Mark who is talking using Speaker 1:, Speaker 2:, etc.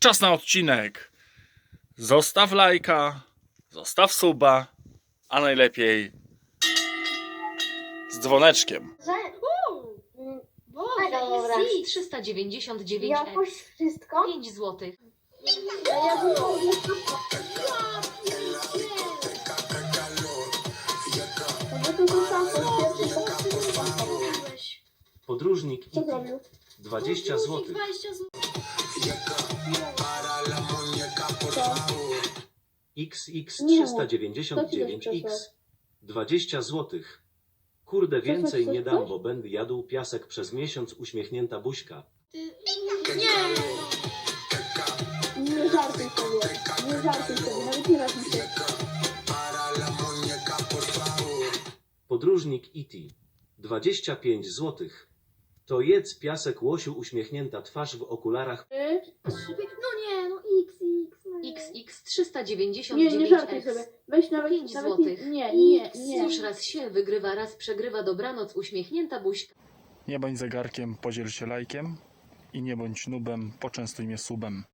Speaker 1: czas na odcinek. Zostaw lajka, zostaw suba, a najlepiej z dzwoneczkiem.
Speaker 2: Boże,
Speaker 3: Dobra.
Speaker 2: jest
Speaker 3: 399
Speaker 2: jakoś wszystko?
Speaker 3: 5 zł.
Speaker 2: Ja bym
Speaker 4: Podróżnik
Speaker 2: Co
Speaker 4: IT.
Speaker 2: zrobił?
Speaker 4: 20 zł.
Speaker 2: 20 zł.
Speaker 4: XX399X. 20 zł. Kurde, więcej nie dam, bo będę jadł piasek przez miesiąc. Uśmiechnięta buźka.
Speaker 2: Nie żartuj sobie. Nie żartuj sobie. Nawet nie raz mi się.
Speaker 4: Podróżnik IT. 25 zł. To jedz piasek, łosiu. Uśmiechnięta twarz w okularach.
Speaker 3: XX399
Speaker 2: Nie żartuj sobie. Weź nawet
Speaker 3: 5
Speaker 2: nawet
Speaker 3: złotych.
Speaker 2: nie.
Speaker 3: Już raz się wygrywa, raz przegrywa. Dobranoc, uśmiechnięta buźka.
Speaker 1: Nie bądź zegarkiem, podziel się lajkiem i nie bądź nubem, poczęstuj mnie subem.